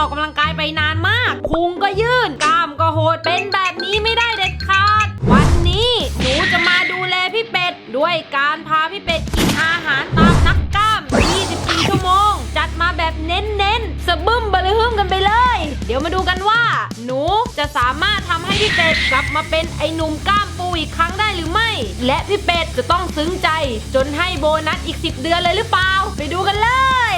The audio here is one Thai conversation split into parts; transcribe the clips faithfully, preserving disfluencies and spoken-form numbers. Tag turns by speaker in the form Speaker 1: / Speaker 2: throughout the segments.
Speaker 1: ออกกำลังกายไปนานมากพุงก็ยื่นกล้ามก็โหดเป็นแบบนี้ไม่ได้เด็ดขาดวันนี้หนูจะมาดูแลพี่เป็ดด้วยการพาพี่เป็ดกินอาหารตามนักกล้ามยี่สิบสี่ชั่วโมงจัดมาแบบเน้นๆสะบึ้มบะลือฮึ่มกันไปเลยเดี๋ยวมาดูกันว่าหนูจะสามารถทำให้พี่เป็ดกลับมาเป็นไอ้หนุ่มกล้ามปูอีกครั้งได้หรือไม่และพี่เป็ดจะต้องซึ้งใจจนให้โบนัสอีกสิบเดือนเลยหรือเปล่าไปดูกันเลย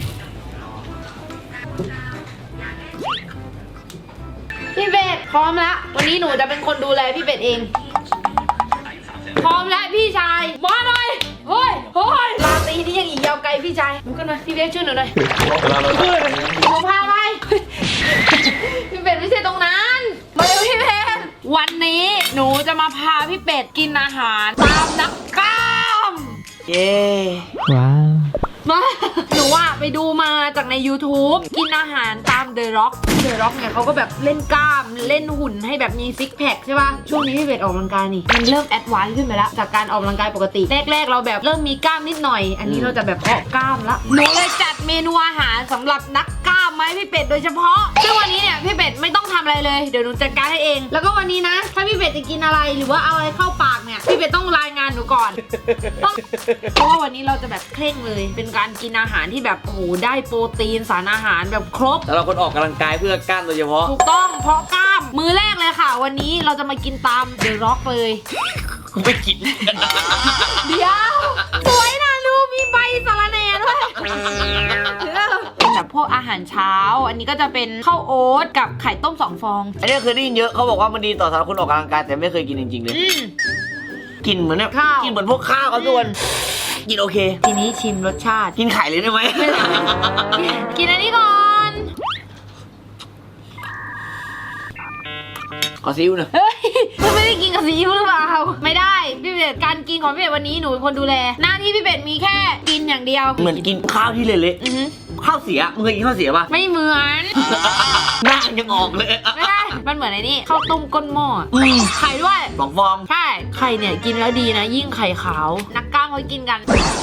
Speaker 1: พี่เป็ดพร้อมแล้ววันนี้หนูจะเป็นคนดูแลพี่เป็ดเองพร้อมแล้วพี่ชายมาหน่อยเฮ้ยเฮ้ยลาตีนี่ยังอีกยาวไกลพี่ชายลุกขึ้นมาพี่เบสช่วยหนูหน่อยหนูพาไปพี่เป็ดไม่ใช่ตรงนั้นมาเร็วพี่เป็ดวันนี้หนูจะมาพาพี่เป็ดกินอาหารตามนักกล้ามเย้
Speaker 2: ว้าว
Speaker 1: มาหนูว่าไปดูมาจากใน ยูทูบ กินอาหารตาม The Rock The Rock เนี่ยเขาก็แบบเล่นกล้ามเล่นหุ่นให้แบบมีซิกแพคใช่ป่ะช่วงนี้พี่เป็ดออกกำลังกายนี่มันเริ่มแอดวานซ์ขึ้นไปแล้วจากการออกกำลังกายปกติแรกๆเราแบบเริ่มมีกล้ามนิดหน่อยอันนี้เราจะแบบเพาะกล้ามละหนูเลยจัดเมนูอาหารสำหรับนักกล้ามมาให้พี่เป็ดโดยเฉพาะซึ่งวันนี้เนี่ยพี่เป็ดไม่ต้องทำอะไรเลยเดี๋ยวหนูจัดการให้เองแล้วก็วันนี้นะถ้าพี่เป็ดจะกินอะไรหรือว่าเอาอะไรเข้าปากเนี่ยพี่เป็ดต้องรายงานหนูก่อนต้องเพราะว่าวันนี้เราจะแบบเคร่งเลยเป็นการกินอาหารที่แบบโอ้โหได้โปรตีนสารอาหารแบบครบ
Speaker 3: สำหรับคนออกกำลังกายเพื่อกล้ามโดยเฉพาะ
Speaker 1: ถูกต้องเพราะกล้ามมือแรกเลยค่ะวันนี้เราจะมากินตามเดอะร็อกเลย
Speaker 3: ไม่กิน
Speaker 1: เดี๋ยวสวยนะดูมีใบสาระแหน่ด้วยเป็นแบบพวกอาหารเช้าอันนี้ก็จะเป็นข้าวโอ๊ตกับไข่ต้มสองฟอง
Speaker 3: อันนี้เคยได้ยินเยอะเขาบอกว่ามันดีต่อสำหรับคนออกกำลังกายแต่ไม่เคยกินจริงๆเลยกินเหมือนแบบกินเหมือนพวกข้าวเขาส่วนกินโอเค
Speaker 1: ทีนี้ชิมรสชาติ
Speaker 3: กินไข่เลยได้ไหม
Speaker 1: กินอันนี้ก่อน
Speaker 3: ขอซิ้วนะ
Speaker 1: เฮ้ยคุณไม่ได้กินกับซีอิ๊วหรือเปล่าไม่ได้พี่เป็ดการกินของพี่เป็ดวันนี้หนูเป็นคนดูแลหน้าที่พี่เป็ดมีแค่กินอย่างเดียว
Speaker 3: เหมือนกินข้าวที่เละๆข้าวเสียมึงเคยกินข้าวเสียป่ะ
Speaker 1: ไม่เหมือน
Speaker 3: หน้ายังออกเลย
Speaker 1: ไม่ได้มันเหมือนไอ้นี่ข้าวต้มก้นหม้อไข่ด้วย
Speaker 3: สองฟอง
Speaker 1: ใช่ไข่เนี่ยกินแล้วดีนะยิ่งไข่ขาวนักกล้ามเขากินกัน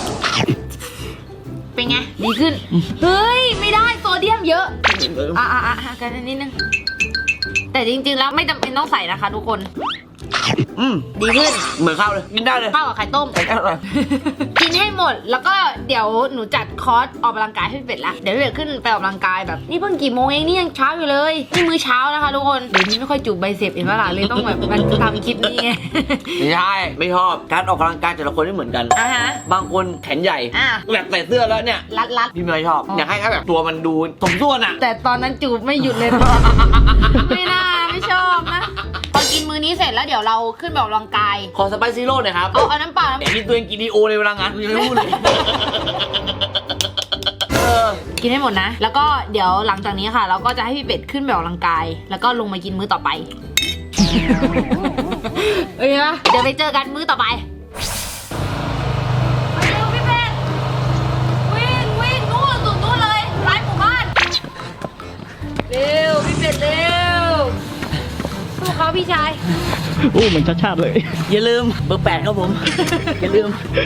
Speaker 1: เป็นไงดีขึ้นเฮ้ยไม่ได้โซเดียมเยอะอ่ะอ่ะอ่ะกันนิดนึงแต่จริงๆแล้วไม่จำเป็นต้องใส่นะคะทุกคน
Speaker 3: อืม
Speaker 1: ดีขึ้น
Speaker 3: เหมือนข้าวเลยกินได้เลย
Speaker 1: ข้าวกับไข่ต้มกินให้หมดแล้วก็เดี๋ยวหนูจัดคอร์สออกกำลังกายให้พี่เป็ดละเดี๋ยวพี่เป็ดขึ้นไปออกกำลังกายแบบนี่เพิ่งกี่โมงเองนี่ยังเช้าอยู่เลยนี่มื้อเช้านะคะทุกคนเดี๋ยวนี้ไม่ค่อยจูบใบเสพเห็นไหมล่ะเลยต้องแบบมันทำคลิปนี้ไง
Speaker 3: ไม่ใช่ไม่ชอบการออกกำลังกายแต่ละคนไม่เหมือนกัน
Speaker 1: อ่ะฮะ
Speaker 3: บางคนแขนใหญ่แบบใส่เสื้อแล้วเนี่ย
Speaker 1: รัดรัด
Speaker 3: พี่ไม่ชอบอยากให้แบบตัวมันดูสมส่วนอะ
Speaker 1: แต่ตอนนั้นจูบไม่หยุดเลยไม่น่าไม่ชอบนะพอกินมื้อนี้เสร็จแล้วเดี๋ยวเราขึ้นแบบออกกำลังกาย
Speaker 3: ขอสไปซี่โร่หน่อยครับ
Speaker 1: เอาเอาน้ำเปล่า
Speaker 3: แต่กินตัวเองกินดีโอในเวลางานกูยังไม่พูดเลย
Speaker 1: กินให้หมดนะแล้วก็เดี๋ยวหลังจากนี้ค่ะเราก็จะให้พี่เป็ดขึ้นแบบออกกำลังกายแล้วก็ลงมากินมื้อต่อไปเอ้ยเดี๋ยวไปเจอกันมื้อต่อไปเร็วพี่เป็ดวิ่งวิ่งนู่นสุดนู่นเลยร้านหมู่บ้านเร็วพี่เป็ดเร็วสู้เขาพี่ชาย
Speaker 2: โอ้เหมือนชาติชาติเลย
Speaker 3: อย่าลืมเบอร์แปดครับผมอย่าลืม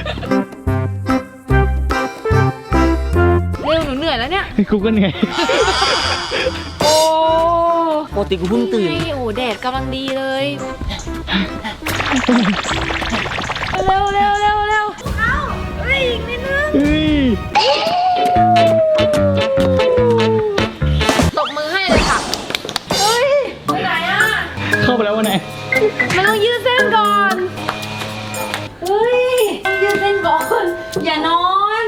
Speaker 1: เร็วหนูเหนื่อยแล้วเนี่ย
Speaker 2: กูก็เหนื่อย
Speaker 1: โอ้
Speaker 3: ปกติกูเพิ่งตื่น
Speaker 1: โอ้แดดกำลังดีเลยเร็วเร็วเร็วเร็วเอ้าเฮ้ยอีกนิดนึงตบมือให้เลยค่ะเฮ้ยไปไหนอ่ะ
Speaker 2: เข้าไปแล้ววะไหน
Speaker 1: มันต้องยืดเส้นก่อนเฮ้ยยืดเส้นก่อนอย่านอน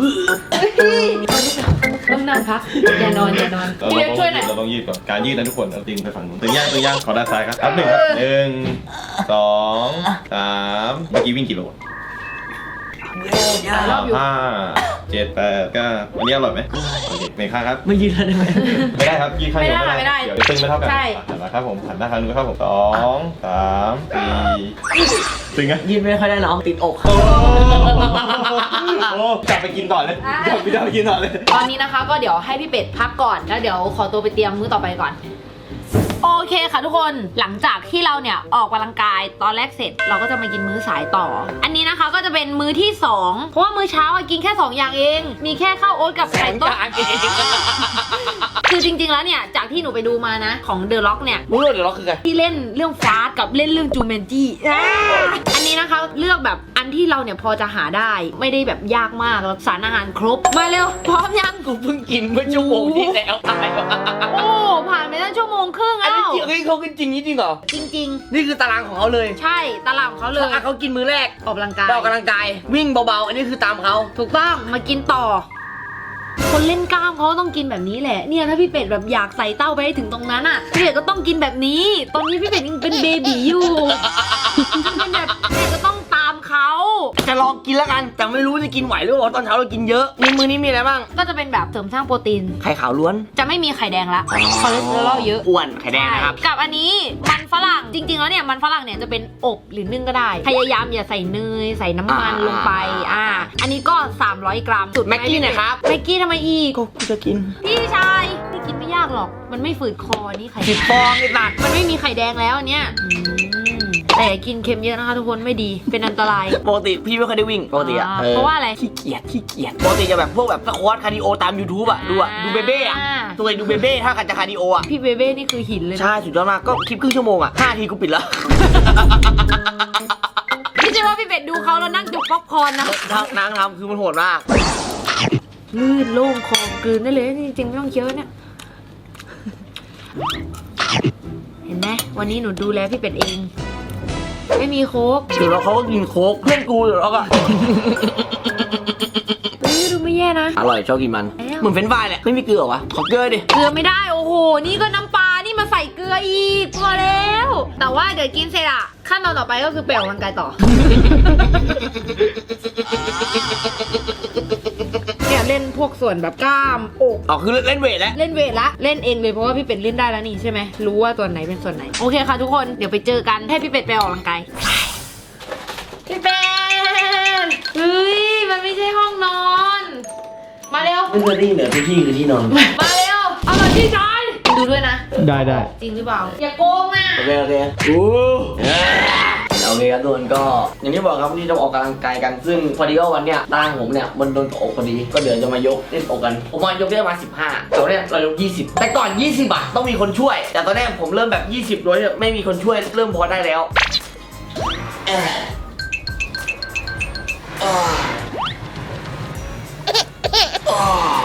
Speaker 1: ต้องนั่งพักอย่านอนอย่านอนพี่เล็กช่วยหน่อย
Speaker 4: เราต้องยืดก่อนการยืดนะทุกคนเอาตีนไปฝั่งนู้นตึงย่างตึงย่างขอด้านซ้ายครับครับหนึ่งครับหนึ่งสองสามเมื่อกี้วิ่งกี่โลห้าเจ็ดแปดเก้าวันนี้อร่อยไหมโอเคในข้างครับ
Speaker 3: ไม่ยืดได้ไหม
Speaker 4: ไม่ได้ครับยืดข้างเดียวไม่ได้เดี๋ยวตึงไม่เท่ากันหันมาครับผมหันหน้าข้างนู้นครับผมสองสามสี่ตึงไง
Speaker 3: ยืดไม่ค่อยได้น้องติดอก
Speaker 4: โอ้กลับไปกินต่อเลยกลับไปกินต่อเลย
Speaker 1: ตอนนี้นะคะก็เดี๋ยวให้พี่เป็ดพักก่อนแล้วเดี๋ยวขอตัวไปเตรียมมื้อต่อไปก่อนโอเคค่ะทุกคนหลังจากที่เราเนี่ยออกกำลังกายตอนแรกเสร็จเราก็จะมากินมื้อสายต่อ อันนี้นะคะก็จะเป็นมื้อที่สองเพราะว่ามื้อเช้าอะกินแค่สองอย่างเองมีแค่ข้าวโอ๊ตกับไข่ต้มคือจริงๆแล้วเนี่ยจากที่หนูไปดูมานะของเดอะล็อกเนี่ย
Speaker 3: รู้เลยเดี๋ยวเราคือไง
Speaker 1: ที่เล่นเรื่องฟาสกับเล่นเรื่องจูเมนจี้อ่าอันนี้นะคะเลือกแบบอันที่เราเนี่ยพอจะหาได้ไม่ได้แบบยากมากแล้วสารอาหารครบมาเร็วพร้อมยัง
Speaker 3: กูเพิ่งกินเมื่อชั่วโมงที่แล้วตายวะ
Speaker 1: โอ้ผ่านไปตั้งชั่วโมงครึ่ง
Speaker 3: อัน
Speaker 1: แล้
Speaker 3: นี้
Speaker 1: ว
Speaker 3: จริงเฮ้ยเขากินจริงนี่จริงเหรอ
Speaker 1: จริง
Speaker 3: นี่คือตารางของเขาเลย
Speaker 1: ๆ ใช่ตลาดของเขาเลย
Speaker 3: อ่ะเขากินมื้อแรก
Speaker 1: ออกกำลังกาย
Speaker 3: ไปออกกำลังกายวิ่งเบาๆอันนี้คือตามเขา
Speaker 1: ถูกต้องมากินต่อ คนเล่นกล้ามเขาก็ต้องกินแบบนี้แหละเนี่ยถ้าพี่เป็ดแบบอยากใส่เต้าไปให้ถึงตรงนั้นอ่ะพี่เป็ดก็ต้องกินแบบนี้ ตอนนี้พี่เป็ดยังเป็นเบบีอยู่เป็นแบบพี่เป็ดก็ต้องตามเขา
Speaker 3: จะลองกินแล้วกันแต่ไม่รู้จะกินไหวหรือเปล่าตอนเช้าเรากินเยอะนี่มื้อนี้มีอะไรบ้าง
Speaker 1: ก็จะเป็นแบบเสริมสร้างโปรตีน
Speaker 3: ไข่ขาวล้วน
Speaker 1: จะไม่มีไข่แดงละคอเลสเตอรอลเยอะ
Speaker 3: อ้วนไข่แดงนะครับ
Speaker 1: ใช่กับอันนี้มันฝรั่งจริงๆแล้วเนี่ยมันฝรั่งเนี่ยจะเป็นอบหรือนึ่งก็ได้ พยายามอย่าใส่เนยใส่น้ำมัน
Speaker 3: อ่า
Speaker 1: ลงไปอ่าอันนี้ก็สามร้อยกรัมสุด
Speaker 3: แม็กกี้หน่อยครับ
Speaker 1: แม็กกี้ทำไมอีก
Speaker 3: ก็กูจะกิน
Speaker 1: พี่ชายนี่กินไม่ยากหรอก มันไม่ฝืดคอนี่ไข่
Speaker 3: สิบฟองไอ้ตัด
Speaker 1: มันไม่มีไข่แดงแล้วอันเนี้ยอืมแต่กินเค็มเยอะนะคะทุกคนไม่ดีเป็นอันตราย
Speaker 3: ปกติพี่ไม่เคยได้วิ่งปกติอะ
Speaker 1: อ่า
Speaker 3: ออ
Speaker 1: เพราะว่าอะไร
Speaker 3: ขี้เกียจขี้เกียจปกติจะแบบพวกแบบสควอตคาร์ดิโอตาม YouTube อะดูอะดูเบเบ้อะตัวเองดูเบเบ้ถ้ากันจะคาร์ดิโออะ
Speaker 1: พี่เบเบ้นี่คือหินเลยนะ
Speaker 3: ใช่สุดยอดมากก็คลิปครึ่งชั่วโมงอะห้าทีกูปิดแล้ว
Speaker 1: พี่จะว่าพี่เป็ดดูเขาแล้วนั่งจุกป๊อปคอร์นนะ
Speaker 3: ทำนางทำคือมันโหดมาก
Speaker 1: ลื่นโล่งคอกลืนได้เลยจริงๆไม่ต้องเคี้ยวเนี่ย เห็นไหมวันนี้หนูดูแลพี่เป็ดเอง ไม่มีโค้ก
Speaker 3: เดี๋ยวเราเขาก็กินโค้กเพื่อนกูเดี๋ยวเราก็
Speaker 1: เฮ้ยดูไม่แย่นะ
Speaker 3: อร่อยชอบกินมัน
Speaker 1: แล้ว
Speaker 3: เหมือนเฟรนช์ฟรายแหละไม่มีเกลือเหรอวะขอเกลือดิ
Speaker 1: เกลือไม่ได้โอ้โหนี่ก็น้ำปลานี่มาใส่เกลืออีกพอแล้ว แต่ว่าเดี๋ยวกินเสร็จอะขั้นตอนต่อไปก็คือไปออกกำลังกายต่อ เนี่ยเล่นพวกส่วนแบบกล้ามอก
Speaker 3: อ๋อคือเล่นเวทแล้ว
Speaker 1: เล่นเวทละเล่นเองเลยเพราะว่าพี่เป็ดเล่นได้แล้วนี่ใช่ไหมรู้ว่าตัวไหนเป็นส่วนไหนโอเคค่ะทุกคนเดี๋ยวไปเจอกันให้พี่เป็ดไปออกกำลังกายพี่เป็ดเฮ้ยมันไม่ใช่ห้องนอนมาเร็ว
Speaker 3: ไม่เคยได้ยินเหรอที่ที่คือที่นอน
Speaker 1: มาเร็วเอามาที่ชายดูด้วยนะ
Speaker 2: ได้ได้
Speaker 1: จริงหรือเปล่าอย่าโกงนะ
Speaker 3: โอเคโอเคอู้โอเคครับทุกคนก็อย่างที่บอกครับวันนี้จะออกกำลังกายกันซึ่งพอดีว่าวันเนี้ยร่างผมเนี่ยมันโดนอกพอดีก็เดี๋ยวจะมายกเล่นอกกันผมมายกได้ประมาณสิบห้าแต่วันเนี้ยเรายกยี่สิบแต่ก่อนยี่สิบอ่ะต้องมีคนช่วย แต่ตอนแรกผมเริ่มแบบยี่สิบโดยไม่มีคนช่วยเริ่มพอได้แล้วเอ่ออ่าอ่า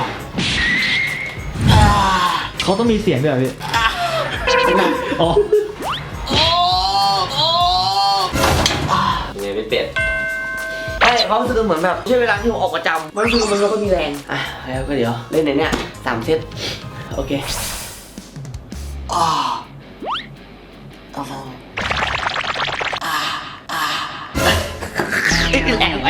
Speaker 3: อ่า
Speaker 2: เขาต้องมีเสียงด้วยเหรอพี่อ๋อ
Speaker 3: ไงไม่เป็ดไอ้ความรู้สึกเหมือนแบบใช่เวลาที่ผมออกประจำมันคือมันไม่ค่อยมีแรงอ่ะแล้วก็เดี๋ยวเล่นในเนี้ยสามเซตโอเคอ่าอ่าอ่าอ่าแรงไป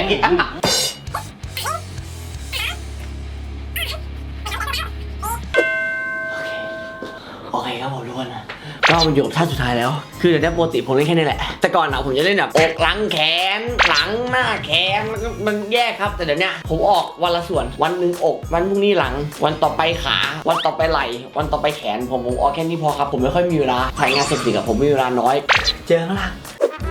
Speaker 3: โอเคครับผมทุกคนนะก็มันอยู่กับท่าสุดท้ายแล้ว คือเดี๋ยวนี้ปกติผมเล่นแค่นี้แหละ แต่ก่อนอะผมจะเล่นแบบอกหลังแขนหลังหน้าแขนมันก็มันแยกครับ แต่เดี๋ยวนี้ผมออกวันละส่วน วันหนึ่งอก วันพรุ่งนี้หลัง วันต่อไปขา วันต่อไปไหล่ วันต่อไปแขน ผมผมออกแค่นี้พอครับ ผมไม่ค่อยมีเวลาถ่ายงานเสร็จกับผมมีเวลาน้อย เจอข้างล่าง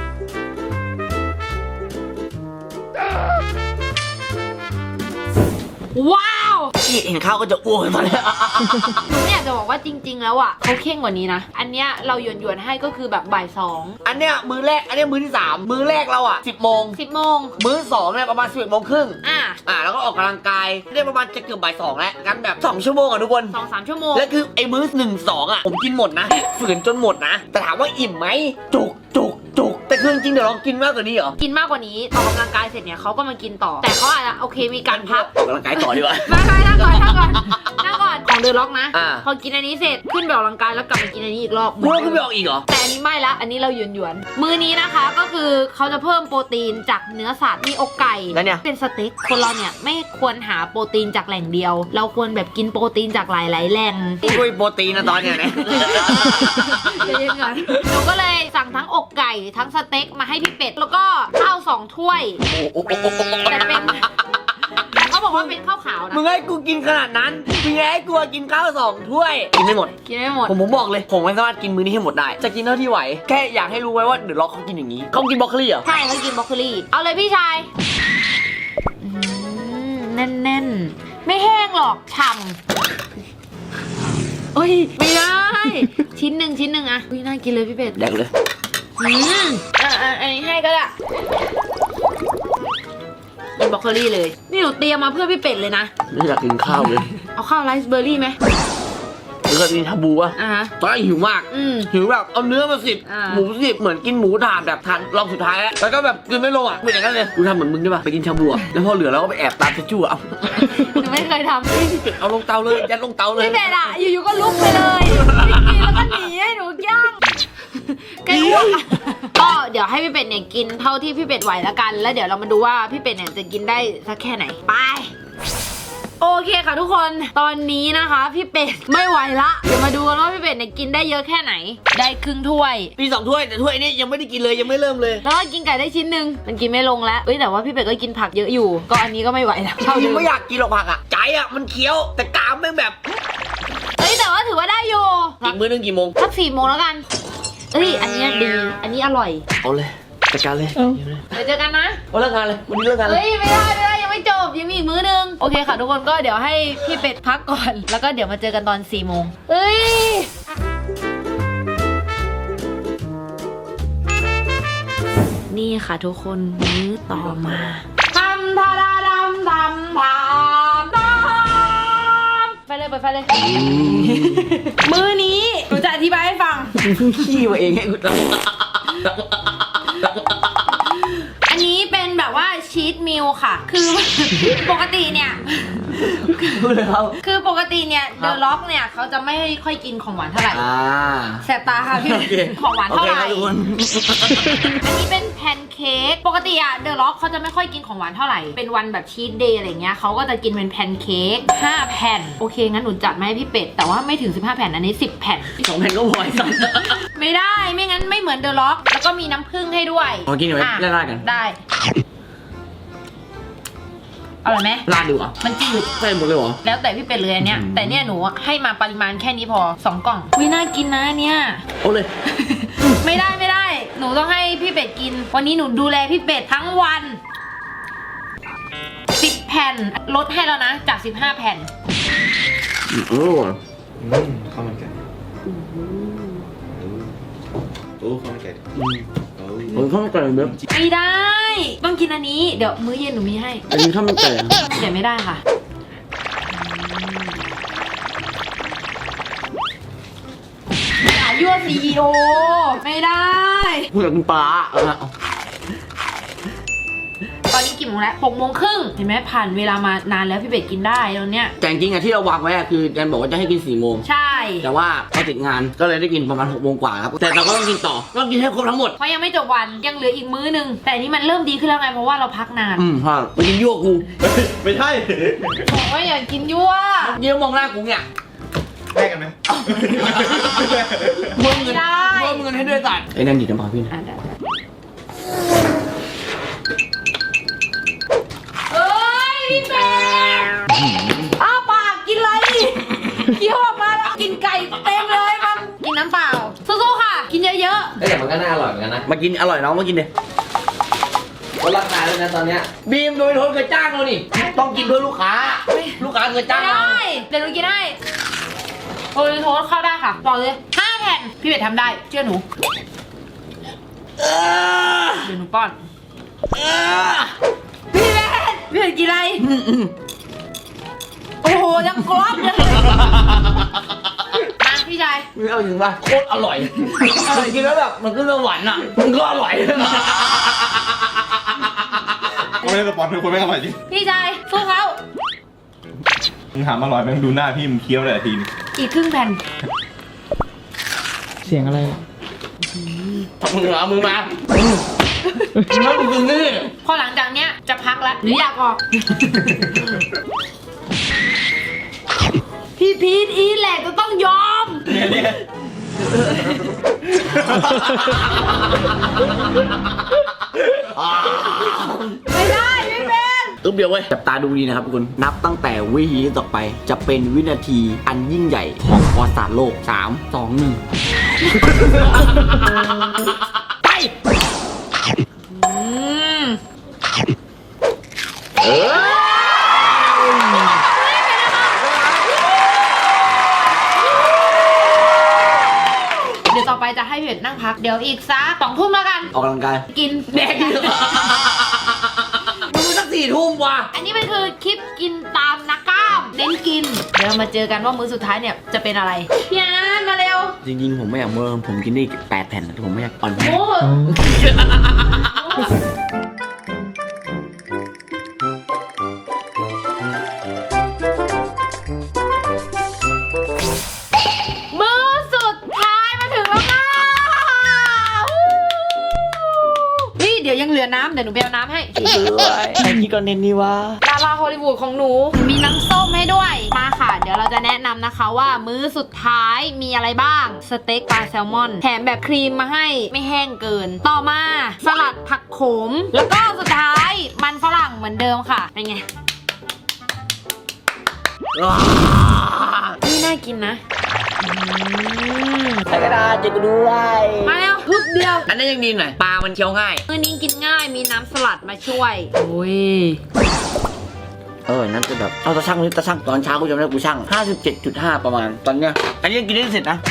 Speaker 1: ว้าว
Speaker 3: ที่เห็นข้าวก็จะอ้วกตอนนี้
Speaker 1: หนูไม่อยากจะบอกว่าจริง ๆ แล้วอ่ะเขาเข่งกว่านี้นะ อันเนี้ยเราหยวนหยวนๆให้ก็คือแบบบ่ายสอง
Speaker 3: อันเนี้ยมือแรก อันเนี้ยมือที่สามมือแรกเราอะสิบโมง
Speaker 1: สิบโมง
Speaker 3: มื้อสองเนี่ยประมาณสิบเอ็ดโมงครึ่ง
Speaker 1: อ่ะ
Speaker 3: อ่าแล้วก็ออกกำลังกายได้ประมาณจะเกือบบ่ายสองแล้วกันแบบสองชั่วโมงอ่ะทุกคน
Speaker 1: สองสามชั่วโมง
Speaker 3: แล้วคือไอ้มื้อหนึ่งสองอ่ะผมกินหมดนะฝืนจนหมดนะ แต่ถามว่าอิ่มไหมจุกจุกจุกแต่คือจริงๆเดี๋ยวลองกินมากกว่านี้เหรอ
Speaker 1: กินมากกว่านี้ออกกำลังกายเสร็จเนี่ยเขาก็มากินต่อ แต่เขาอาจจะโอเคมีการพัก
Speaker 3: ออกกำลังกายต่อดีกว่า
Speaker 1: ไม่ไม่นั่งก่อนนั่งก่อนนั่งก่อนของเดอะล็อกนะ
Speaker 3: อ่า
Speaker 1: พอกินอันนี้เสร็จขึ้นไปออกกำลังกายแล้วกลับมากินอันนี้อีกรอบ
Speaker 3: พวกคุณไปออกอีกเหรอ
Speaker 1: แต่อันนี้ไม่ละอันนี้เราหยวนหยวนๆมื้อนี้นะคะก็คือเขาจะเพิ่มโปรตีนจากเนื้อสัตว์มีอกไก่
Speaker 3: แล้วเนี่ย
Speaker 1: เป็นสเต็กคนเราเนี่ยไม่ควรหาโปรตีนจากแหล่งเดียว เราควรแบบกินโปรตีนจากหลายๆแหล่ง
Speaker 3: ช่วยโปรตีนนะตอนเนี้ยนะ
Speaker 1: ใจเย็นก่อนหนูก็เลยสั่งทั้งอกไก่ทั้งสเต็กมาให้พี่เป็ดแล้วก็ข้าวสองถ้วย แต่เป็นแต่เขาบอกว่าเป็นข้าวขาวนะ
Speaker 3: มึงให้กูกินขนาดนั้นมึงให้กูกินข้าวสองถ้วยกินไม่หมด
Speaker 1: กินไม่หมด
Speaker 3: ผมผมบอกเลยผมไม่สามารถกินมื้อนี้ให้หมดได้จะกินเท่าที่ไหวแค่อยากให้รู้ไว้ว่าเดอะล็อกเขากินอย่างนี้เขากินบรอกโคลีเหรอ
Speaker 1: ใช่เขากินบรอกโคลีเอาเลยพี่ชายอืมแน่นๆไม่แห้งหรอกฉ่ำโอ้ยไม่ได้ ชิ้นหนึ่งชิ้นหนึ่งอะอุ้ยน่ากินเลยพี่เป็ด
Speaker 3: แดกเลย
Speaker 1: อืมอ่ะอ่ะอันนี้ให้ก็ได้กินบรอกโคลีเลยนี่หนูเตรียมมาเพื่อพี่เป็ดเลยนะ
Speaker 3: ไม่อยากกินข้าวเลย
Speaker 1: เอาข้าวไรซ์เบอร์รี่ไหม
Speaker 3: หรือเคยกินชาบูวะ
Speaker 1: อ่ะฮะ
Speaker 3: ตอนแรกหิวมาก
Speaker 1: อืม
Speaker 3: หิวแบบเอาเนื้อมาสิบ
Speaker 1: อ่า
Speaker 3: หมูสิบเหมือนกินหมูถ่านแบบทานรอบสุดท้ายแล้วแล้วก็แบบกินไม่ลงอ่ะเป็นอย่างนั้นเลยกูทำเหมือนมึงได้ป่ะไปกินชาบูอะแล้วพอเหลือแล้วก็ไปแอบตามเชจูเอา
Speaker 1: หนูไม่เคยทำ
Speaker 3: เอาลงเตาเลยยัดลงเตาเลย
Speaker 1: พี่เป็ดอะอยู่ๆก็ลุกไปเลยไม่กินแล้วก็หนีให้หนูย่างแกอ้วกอะก็เดี๋ยวให้พี่เป็ดเนี่ยกินเท่าที่พี่เป็ดไหวแล้วกัน แล้วเดี๋ยวเรามาดูว่าพี่เป็ดเนี่ยจะกินได้สักแค่ไหนไปโอเคค่ะทุกคนตอนนี้นะคะพี่เป็ดไม่ไหวละเดี๋ยวมาดูกันว่าพี่เป็ดเนี่ยกินได้เยอะแค่ไหน ได้ครึ่งถ้วย
Speaker 3: มีสองถ้วยแต่ถ้วยนี้ยังไม่ได้กินเลยยังไม่เริ่มเลย
Speaker 1: แล้วก็กินไก่ได้ชิ้นหนึ่งมันกินไม่ลงแล้วเอ้ยแต่ว่าพี่เป็ดก็กินผักเยอะอยู่ ก็อันนี้ก็ไม่ไหวแล้วเท่า
Speaker 3: จริ
Speaker 1: เดิ
Speaker 3: ง
Speaker 1: ม
Speaker 3: ไม่อยากกินหรอกผักอ่ะใจอ่ะมันเคี้ยวแต่กรามแม่งแบบ
Speaker 1: เอ้ยแต่ว่าถือว่าได้อยู่
Speaker 3: อีกมื้อนึงกี่โมง
Speaker 1: สักสี่โมงแล้วกันเอ้ยอันนี้ดีอันนี้อร่อย
Speaker 3: เอาเลยจัดการเลย
Speaker 1: เดี๋ยวเจอกันนะ
Speaker 3: เอาเลิกงานเลยวันนี้เลิกงานเลย
Speaker 1: เฮ้ยไม่ได้ไม่ได้ยังไม่จบยังมีอีกมื้อนึงโอเคค่ะทุกคนก็เดี๋ยวให้พี่เป็ดพักก่อน แล้วก็เดี๋ยวมาเจอกันตอนสี่โมงเอ้ยนี่ค่ะทุกคนมื้อต่อมาทำทาราดำทำทำทำไปเลยเปิดไฟเลย มื้อนี้หนูจะอธิบายให้ฟัง
Speaker 3: ขี้มาเองให้กู
Speaker 1: อันนี้เป็นแบบว่าชีทมิลค่ะ คือ ปกติเนี่ย
Speaker 3: พูดเลยครับ
Speaker 1: คือปกติเนี่ย
Speaker 3: ค
Speaker 1: เด
Speaker 3: รับ
Speaker 1: อะล็อกเนี่ยเขาจะไม่ค่อยกินของหวานเท่าไหร่
Speaker 3: อ่า
Speaker 1: แสบตาค่ะพี่
Speaker 3: โอเค
Speaker 1: ของหวานเท่าไหร่
Speaker 3: โอเคครับทุกคน
Speaker 1: อันนี้เป็นแพนเค้ก ปกติอะเดอะล็อกเขาจะไม่ค่อยกินของหวานเท่าไหร่ เป็นวันแบบชีทเดย์อะไรเงี้ยเขาก็จะกินเป็นแพนเค้กห้าแผ่น โอเคงั้นหนูจัดมาให้พี่เป็ด แต่ว่าไม่ถึงสิบห้าแผ่น อันนี้สิบแผ่น
Speaker 3: สองแผ่นก็พอไอ้สัส
Speaker 1: ไม่ได้ ไม่งั้นไม่เหมือนเดอะล็อก แล้วก็มีน้ำผึ้งให้ด้วย
Speaker 3: เอากินหน่อยไหม
Speaker 1: อ่ะ
Speaker 3: แลกๆกัน
Speaker 1: ได้อร่อยไหม
Speaker 3: ราดดีกว่า
Speaker 1: มันจืด
Speaker 3: ใส่หมดเลยเหรอ
Speaker 1: แล้วแต่พี่เป็ดเลยอันเนี้ย แต่เนี่ยหนูให้มาปริมาณแค่นี้พอสองกล่องวิน่ากินนะเนี่ย
Speaker 3: เอาเลย
Speaker 1: ไม่ได้ไม่ได้ หนูต้องให้พี่เป็ดกิน วันนี้หนูดูแลพี่เป็ดทั้งวันสิบแผ่นลดให้แล้วนะจากสิบห้าแผ่น
Speaker 3: โอ้
Speaker 4: อืมข้าวมันไก่โอ้ข้าวมันไก่โอ้
Speaker 3: ผมข้าวมันไก่แบบ
Speaker 1: ไม่ได้ ต้องกินอันนี้เดี๋ยวมื้อเย็นหนูมีให้
Speaker 3: อันนี้ข้าวมันไก่อะ
Speaker 1: เดี๋ยวไม่ได้ค่ะอย่ายั่วซีอีโอไม่ได้
Speaker 3: พูดกับคุณป้าเอาละเอา
Speaker 1: ตอนนี้กี่โมงแล้วหกโมงครึ่งเห็นไหมผ่านเวลามานานแล้วพี่เป็ดกินได้แล้วเนี่ย
Speaker 3: แต่จริงๆอะที่เราวางไว้อะคือแดนบอกว่าจะให้กินสี่โมง
Speaker 1: ใช่
Speaker 3: แต่ว่าเขาติดงานก็เลยได้กินประมาณหกโมงกว่าครับแต่เราก็ต้องกินต่อต้องกินให้ครบทั้งหมด
Speaker 1: เพราะยังไม่จบวันยังเหลืออีกมื้อหนึง แต่อันนี้มันเริ่มดีขึ้นแล้วไงเพราะว่าเราพักนาน
Speaker 3: อืมพ่อมันกินยั่วกู
Speaker 4: ไม่ใช่
Speaker 1: บอกว่าอย่ากินยั่ว
Speaker 3: เยี่ยมมองหน้ากูเนี่ย
Speaker 4: แลกกันไหม
Speaker 3: มึงเงิน
Speaker 1: ไม่ได้
Speaker 3: มึงเงินให้ด้วยสัตว์ไอ้นั่นดิน้ำปลาพี่นะ
Speaker 1: อ่ะได้เอ้ยพี่เป็ดอ้าปากกินอะไรเคี้ยวออกมาแล้วกินไก่เต็มเลยมันกินน้ำเปล่าสู้ๆค่ะ กินเยอะ
Speaker 3: เอ้ยแต่มันก็น่าอร่อยเหมือนกันนะมากินอร่อยน้องมากินเลยลดราคาเลยนะตอนเนี้ยบีมโดยโทนเคยจ้างเรานี่ต้องกินเพื่อลูกค้าลูกค้าเคย
Speaker 1: ๆ
Speaker 3: จ้างเรา
Speaker 1: ได้เดี๋ยวหนูกินให้โอ้ยโทษเข้าได้ค่ะบอกเลยห้าแผ่นพี่เป็ดทำได้เชื่อหนู
Speaker 3: เออ
Speaker 1: เดี๋ยวหนูป้อน
Speaker 3: เออ
Speaker 1: พี่เป็ดพี่เป็ดกินอะไร
Speaker 3: อืมอืม
Speaker 1: โอ้โหยังกรอบเลยมาพี่ชาย
Speaker 3: ไม่เอาจริงป่ะโคตรอร่อยกินแล้วแบบมันก็จะหวานอ่ะมันก็อร่อย
Speaker 4: กูไม่ได้สปอนเป็นคนไม่อร่อยจริง
Speaker 1: พี่ชายสู้เขา
Speaker 4: มึงถามอร่อยไหมมึงดูหน้าพี่มึงเคี้ยวเลยทีนึง
Speaker 1: อีกครึ่งแผ่น
Speaker 2: เสียงอะไร
Speaker 3: มึงเอามือมาแล้วมึงกินนี่
Speaker 1: พอหลังจากเนี้ยจะพักแล้วหรืออยากออก พี่พีทอีแหละก็ต้องยอม
Speaker 4: เนี่ยเนี่ย
Speaker 1: ไม่ได้ไม่เป็น
Speaker 3: ต้องเดียวเว้ยจับตาดูดีนะครับทุกคนนับตั้งแต่วินาทีต่อไปจะเป็นวินาทีอันยิ่งใหญ่ของประวัติศาสตร์โลกสาม สอง หนึ่ง ไป
Speaker 1: อืม
Speaker 3: เออ
Speaker 1: เดี๋ยวต่อไปจะให้พี่เวทนั่งพักเดี๋ยวอีกสักสองทุ่มแล้วกัน
Speaker 3: ออกกำลังกาย
Speaker 1: กิน
Speaker 3: แดกอยู่ดูสักสี่ทุ่มว่ะ
Speaker 1: อันนี้มันคือคลิปกินตามนักกล้ามเน้นกินเดี๋ยวเรามาเจอกันว่ามื้อสุดท้ายเนี่ยจะเป็นอะไรพี่อันมาเร็ว
Speaker 3: จริงๆผมไม่อยากเมื่อผมกินได้แปดแผ่นแต่ผมไม่อยากอ่อนแพ้
Speaker 1: โอ้มื้อสุดท้ายมาถึงแล้วค่ะนี่เดี๋ยวยังเหลือน้ำเดี๋ยวหนูไปเอาน้ำให้
Speaker 3: ไอ้นี่ก็เน้นนี่วะ
Speaker 1: ดาราฮอลลีวูดของหนูมีน้ำส้มให้ด้วยมาค่ะ เดี๋ยวเราจะแนะนำนะคะว่ามื้อสุดท้ายมีอะไรบ้างสเต็กปลาแซลมอนแถมแบบครีมมาให้ไม่แห้งเกิน ต่อมาสลัดผักโขมแล้วก็สุดท้ายมันฝรั่งเหมือนเดิมค่ะเป็นไงนี่น่ากินนะ
Speaker 3: ใส่กระดาษจะกูด้วย
Speaker 1: มาแล้วทุบเดียว
Speaker 3: อันนั้นยังดีหน่อยปลามันเคี้ยวง่าย
Speaker 1: มื้อนี้กินง่ายมีน้ำสลัดมาช่วยโอ้ย
Speaker 3: เออนั่นจะแบบเอาตะช่างนี่ตะช่างตอนเช้ากูจำได้กูช่าง ห้าสิบเจ็ดจุดห้า ประมาณตอนเนี้ยอันนี้ยังกินได้เสร็จนะ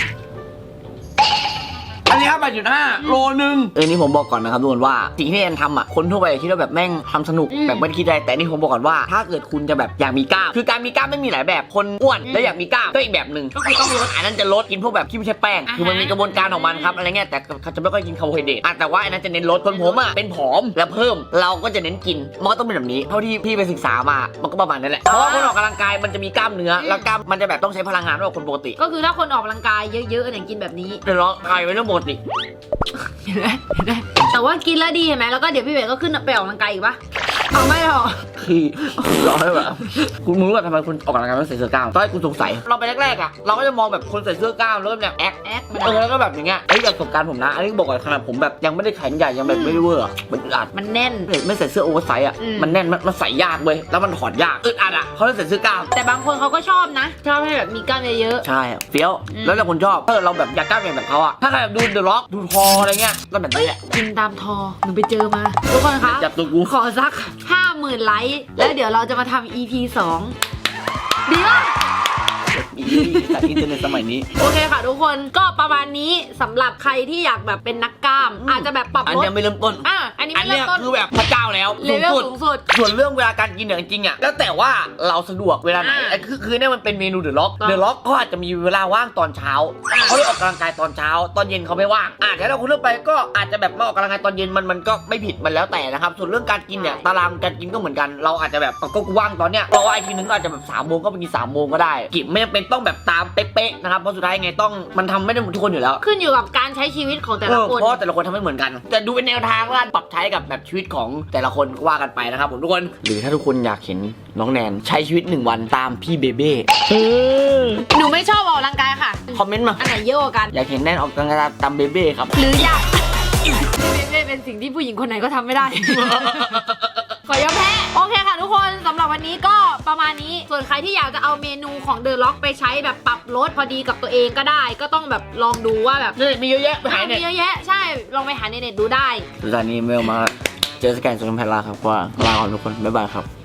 Speaker 3: อันนี้ครับ แปดจุดห้า โลนึงเออนี่ผมบอกก่อนนะครับทุกคนว่าสิ่งที่แอนทำอ่ะคนทั่วไปคิดว่าแบบแม่งทำสนุกแบบไม่ได้คิดอะไรแต่นี่ผมบอกก่อนว่าถ้าเกิดคุณจะแบบอยากมีกล้ามคือการมีกล้ามไม่มีหลายแบบคนอ้วนแล้วอยากมีกล้ามก็อีกแบบหนึ่งก็คือต้องลดอันนั้นจะลดกินพวกแบบที่ไม่ใช่แป้งคือมันมีกระบวนการของมันครับอะไรเงี้ยแต่เขาจะไม่ค่อยกินคาร์โบไฮเดรตแต่ว่าอันนั้นจะเน้นลดคนผมอ่ะเป็นผอมแล้วเพิ่มเราก็จะเน้นกินมันก็ต้องเป็นแบบนี้เท่าที่พี่ไปศึกษามามันก็ประมาณนั้นแหละเพราะว่าคนออกกำลังกายมันจะมีกล้ามเนื้อแล้วกล้ามมันจะแบบต้องใช้พลังงานมากกว่าคนปกติ
Speaker 1: ก็คือถ้าคนออกกำลังกายเยอะๆเนี่ยกินแบบนี้
Speaker 3: เดี๋ยวเรากายเป็นเรื่องปกติ
Speaker 1: เห็นไหมเห็นไหมแต่ว่ากินแล้วดีเห็นไหมแล้วก็เดี๋ยวพี่เวทก็ขึ้นไปออกกำลังกายอีกปะเอาไม่หรอ
Speaker 3: คือรอให้แบบคุณรู้ว่าทำไมคุณออกกำลังกายไม่ใส่เสื้อกล้ามตอนแรกคุณสงสัยเราไปแรกๆอ่ะเราก็จะมองแบบคนใส่เสื้อกล้ามเริ่มแบบแอค
Speaker 1: แอค
Speaker 3: เออแล้วก็แบบอย่างเงี้ยเอ้ยจากประสบการณ์ผมนะอันนี้บอกก่อนขนาดผมแบบยังไม่ได้แข็งใหญ่ยังแบบไม่ได้เวอร์อะมันอึดอัด
Speaker 1: มันแน่น
Speaker 3: ไม่ใส่เสื้อโอเวอร์ไซส์อ่ะ
Speaker 1: อืม
Speaker 3: มันแน่นมันมันใส่ยากเว้ยแล้วมันถอดยากอึดอัดอ่ะเขาเลยใส่เสื้อกล้าม
Speaker 1: แต่บางคนเขาก็ชอบนะ ชอบให้แบบมีกล้ามเยอะ
Speaker 3: ใช่อะเฟี้ยว
Speaker 1: อืม
Speaker 3: แล้วแต่คนชอบถ้าเราแบบอยากกล้ามอย่างแบบเขาอ่ะถ้าใครแบบดูเดอะล็อกดูทออะไรเงี้ยก็แบบนี้แหละ
Speaker 1: ๆกินตามทอหนูไปเจอมาทุกคนคะ
Speaker 3: จับตัวกู
Speaker 1: ขอสักห้าหมื่นไลค์แล้วเดี๋ยวเราจะมาทำ อี พี สองดีป่ะ
Speaker 3: มีจากอินเทอร์เน็ตสมัยนี้
Speaker 1: โอเคค่ะทุกคนก็ประมาณนี้สำหรับใครที่อยากแบบเป็นนักกล้าม อาจจะแบบปรับ
Speaker 3: อัน
Speaker 1: ลด
Speaker 3: ยังไม่เริ่มต้น
Speaker 1: อ่ะอันนี้
Speaker 3: อัน
Speaker 1: ไม่
Speaker 3: เนี้
Speaker 1: เริ่
Speaker 3: ย
Speaker 1: มต้น
Speaker 3: คือแบบพระเจ้าแล้ว
Speaker 1: เลเวลสูงสุด
Speaker 3: ส่วนเรื่องเวลาการกินเนี่ยจริงๆอ่ะแล้วแต่ว่าเราสะดวกเวลาไหน
Speaker 1: อ่า
Speaker 3: ไอ้คือคือเนี่ยมันเป็นเมนูเดอะล็อก
Speaker 1: ครับ
Speaker 3: เดอะล็อกก็อาจจะมีเวลาว่างตอนเช้า
Speaker 1: อ่า
Speaker 3: เขาเลยออกกำลังกายตอนเช้า ตอนเย็นเขาไม่ว่างอ่ะถ้าเราคุณเลือกไปก็อาจจะแบบมาออกกำลังกายตอนเย็นมันมันก็ไม่ผิดมันแล้วแต่นะครับส่วนเรื่องการกินเนี่ยตารางการกินก็เหมือนกันเราอาจจะแบบก็ว่างตอนเนี้ยเพราะว่าไอ้ทีนึงก็อาจจะแบบสามโมงก็ไปกินสามโมงก็ได้กินไม่จำเป็นต้องแบบตามเป๊ะๆนะครับเพราะสุดท้ายไงต้องมันทำไม่ได้หมดทุกคนอยู่แล้ว
Speaker 1: ขึ้นอยู่กับการใช้ชีวิตของแต่
Speaker 3: เอ
Speaker 1: ละ
Speaker 3: อ
Speaker 1: คน
Speaker 3: เพราะแต่ละคนทำไม่เหมือนกันแต่ดูเป็นแนวทางว่าปรับใช้กับแบบชีวิตของแต่ละคนก็ว่ากันไปนะครับผมทุกคนหรือถ้าทุกคนอยากเห็นน้องแนนใช้ชีวิตหนึ่งวันตามพี่เบเบ้เออ
Speaker 1: หนูไม่ชอบออกกำลังกายค่ะ
Speaker 3: คอมเมนต์มา
Speaker 1: อันไหนเยอะกว่ากัน
Speaker 3: อยากเห็นแนนออกกำลังกายตามเบเบ้ครับ
Speaker 1: หรืออยากเล่เป็นสิ่งที่ผู้หญิงคนไหนก็ทำไม่ได้ ขอยอมแพ้โอเคค่ะทุกคนสำหรับวันนี้ก็ประมาณนี้ส่วนใครที่อยากจะเอาเมนูของเดอะล็อกไปใช้แบบปรับลดพอดีกับตัวเองก็ได้ ก็ต้องแบบลองดูว่าแบบ
Speaker 3: นี่มีเยอะแยะไปหา
Speaker 1: มี
Speaker 3: เนี่ย
Speaker 1: เยอะแยะใช่ลองไปหาในเน็ตดูได้
Speaker 3: สุดท้ายนี้เมลมาเจอสแกนโซนแพลลาครับว่าลาก่อนทุกคนบ๊ายบายครับ